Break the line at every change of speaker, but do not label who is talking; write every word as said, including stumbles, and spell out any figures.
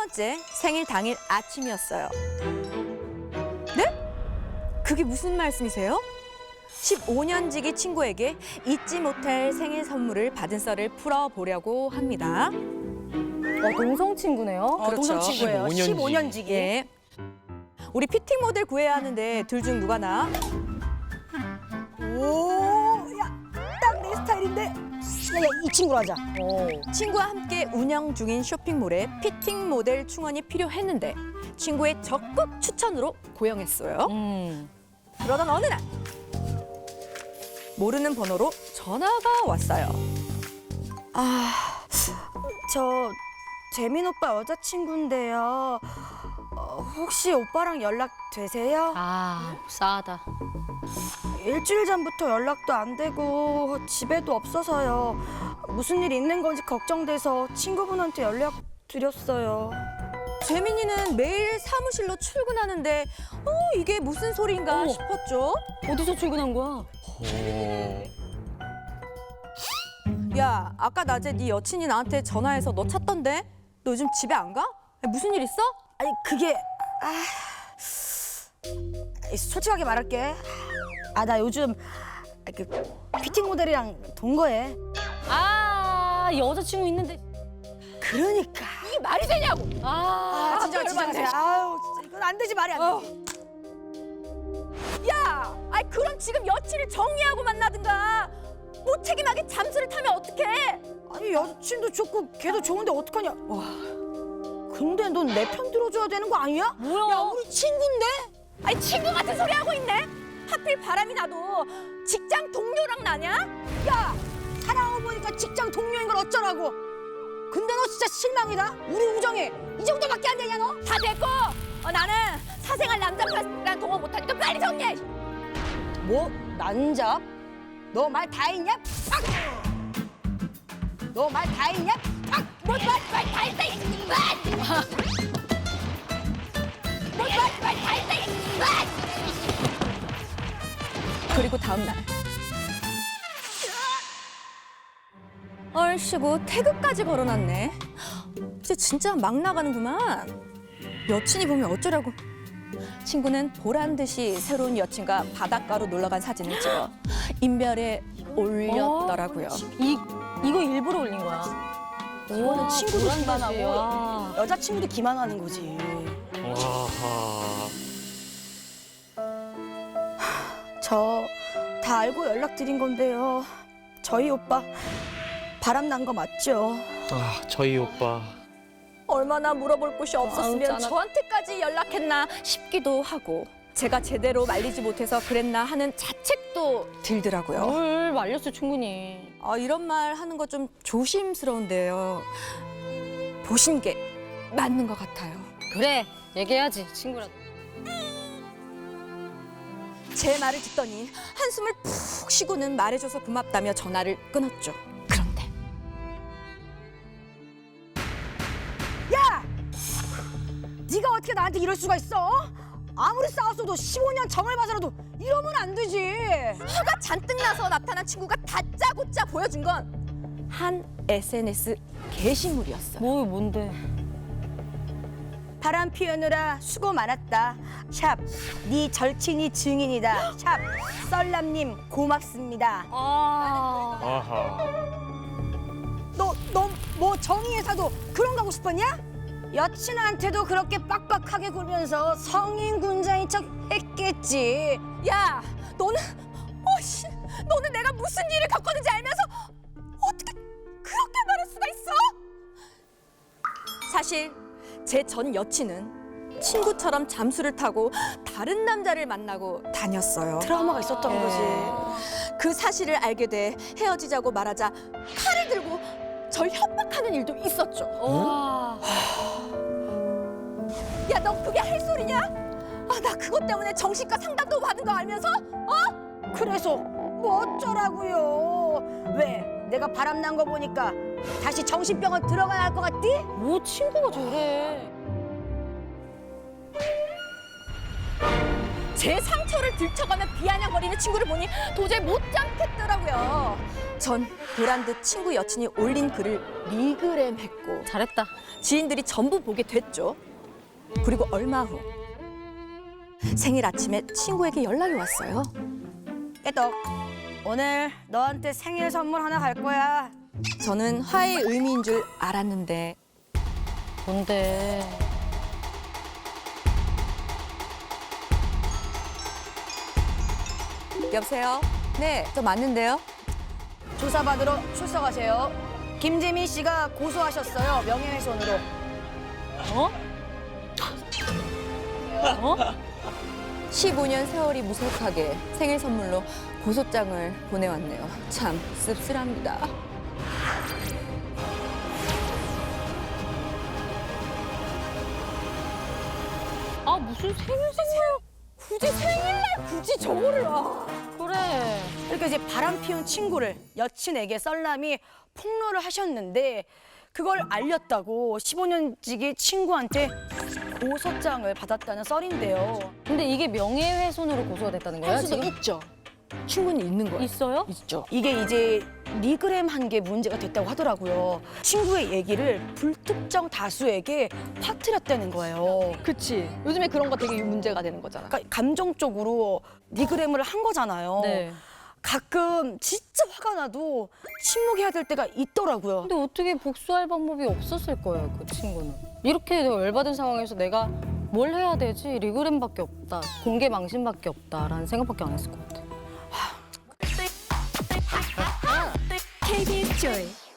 번째 생일 당일 아침이었어요. 네? 그게 무슨 말씀이세요? 십오 년 지기 친구에게 잊지 못할 생일 선물을 받은 썰을 풀어보려고 합니다.
어, 동성 친구네요.
어, 그렇죠.
동성 친구예요.
십오 년
십오 년 지기.
예. 우리 피팅 모델 구해야 하는데 둘 중 누가 나?
오, 야, 딱 내 스타일인데. 야, 야, 이 친구로 하자.
오.
친구와 함께 운영 중인 쇼핑몰에 피팅 모델 충원이 필요했는데 친구의 적극 추천으로 고용했어요.
음.
그러던 어느 날 모르는 번호로 전화가 왔어요.
아, 저 재민 오빠 여자친구인데요. 어, 혹시 오빠랑 연락 되세요?
아, 싸다.
일주일 전부터 연락도 안 되고 집에도 없어서요. 무슨 일 있는 건지 걱정돼서 친구분한테 연락 드렸어요.
재민이는 매일 사무실로 출근하는데 어 이게 무슨 소린가
어머.
싶었죠.
어디서 출근한 거야?
야, 아까 낮에 네 여친이 나한테 전화해서 너 찾던데? 너 요즘 집에 안 가? 무슨 일 있어?
아니 그게 아, 솔직하게 말할게. 아 나 요즘 그 피팅 모델이랑 동거해.
아, 여자친구 있는데.
그러니까.
이게 말이 되냐고.
아,
아 진짜 진짜
열받네.
진짜. 아유 진짜 이건 안 되지 말이 안 돼.
어. 야, 아이 그럼 지금 여친을 정리하고 만나든가. 무책임하게 잠수를 타면 어떡해?
아니 여친도 좋고 걔도 좋은데 어떡하냐. 와. 근데 넌 내 편 들어줘야 되는 거 아니야?
뭐야?
야 우리 친구인데?
아니 친구 같은 소리 하고 있네. 하필 바람이 나도 직장 동료랑 나냐?
야 사랑하고 보니까 직장 동료인 걸 어쩌라고. 근데 너 진짜 실망이다. 우리 우정이 이 정도밖에 안 되냐 너?
다 됐고 어, 나는 사생활 남자랑 동거 못하니까 빨리 정리해.
뭐? 난잡? 너 말 다 했냐? 팍! 너 말 다 했냐? 팍!
뭐말말다 했다. 뭐말말다 했다. 그리고 다음 날 얼씨구 태그까지 걸어놨네. 이제 진짜 막 나가는구만. 여친이 보면 어쩌라고. 친구는 보란 듯이 새로운 여친과 바닷가로 놀러간 사진을 찍어 인별에 올렸더라고요.
이, 이거 일부러 올린 거야.
이거는 친구도
보란
기만하고
듯이, 와.
여자친구도 기만하는 거지.
와하.
저 다 알고 연락드린 건데요. 저희 오빠 바람 난 거 맞죠?
아, 저희 오빠.
얼마나 물어볼 곳이 없었으면
아우, 짠하다.
저한테까지 연락했나 싶기도 하고 제가 제대로 말리지 못해서 그랬나 하는 자책도 들더라고요.
뭘 말렸어, 충분히.
아, 이런 말 하는 거 좀 조심스러운데요. 보신 게 맞는 것 같아요.
그래, 얘기해야지, 친구라도.
제 말을 듣더니 한숨을 푹 쉬고는 말해줘서 고맙다며 전화를 끊었죠. 그런데
야! 네가 어떻게 나한테 이럴 수가 있어? 아무리 싸웠어도 십오 년 정을 봐서라도 이러면 안 되지.
화가 잔뜩 나서 나타난 친구가 다짜고짜 보여준 건 한 에스엔에스 게시물이었어요.
뭐, 뭔데?
바람 피우느라 수고 많았다. 샵, 네 절친이 증인이다. 샵, 썰남님 고맙습니다.
아.
아하.
너, 너 뭐 정의회사도 그런 거 하고 싶었냐? 여친한테도 그렇게 빡빡하게 굴면서 성인 군자인 척 했겠지.
야, 너는 어씨, 너는 내가 무슨 일을 겪었는지 알면서 어떻게 그렇게 말할 수가 있어? 사실 제 전 여친은 친구처럼 잠수를 타고 다른 남자를 만나고 다녔어요.
트라우마가 있었던
예.
거지.
그 사실을 알게 돼 헤어지자고 말하자 칼을 들고 절 협박하는 일도 있었죠.
와.
야, 너 그게 할 소리냐? 아, 나 그것 때문에 정신과 상담도 받은 거 알면서? 어?
그래서 뭐 어쩌라고요? 왜? 내가 바람 난 거 보니까 다시 정신병원 들어가야 할 것 같디?
뭐 친구가 저래.
제 상처를 들춰가며 비아냥거리는 친구를 보니 도저히 못 참겠더라고요. 전 보란 듯 친구 여친이 올린 글을 리그램했고
잘했다.
지인들이 전부 보게 됐죠. 그리고 얼마 후 생일 아침에 친구에게 연락이 왔어요.
깨떡, 오늘 너한테 생일 선물 하나 갈 거야.
저는 화해의 의미인 줄 알았는데
뭔데?
여보세요? 네, 저 맞는데요.
조사받으러 출석하세요. 김재민 씨가 고소하셨어요. 명예훼손으로.
어? 어?
십오 년 세월이 무색하게 생일 선물로 고소장을 보내왔네요. 참 씁쓸합니다.
아 무슨 생일 선물?
굳이 생일날 굳이 저거를 아.
그래.
그러니까 이제 바람 피운 친구를 여친에게 썰남이 폭로를 하셨는데 그걸 알렸다고 십오 년지기 친구한테 고소장을 받았다는 썰인데요.
근데 이게 명예훼손으로 고소가 됐다는 거야?
할 수도
지금?
있죠. 충분히 있는 거예요.
있어요?
있죠.
이게 이제 리그램 한 게 문제가 됐다고 하더라고요. 친구의 얘기를 불특정 다수에게 퍼뜨렸다는 거예요.
그치. 요즘에 그런 거 되게 문제가 되는 거잖아.
그러니까 감정적으로 리그램을 한 거잖아요.
네.
가끔 진짜 화가 나도 침묵해야 될 때가 있더라고요.
근데 어떻게 복수할 방법이 없었을 거예요, 그 친구는. 이렇게 내가 열받은 상황에서 내가 뭘 해야 되지? 리그램밖에 없다, 공개 망신밖에 없다라는 생각밖에 안 했을 것 같아.
케이비에스 조이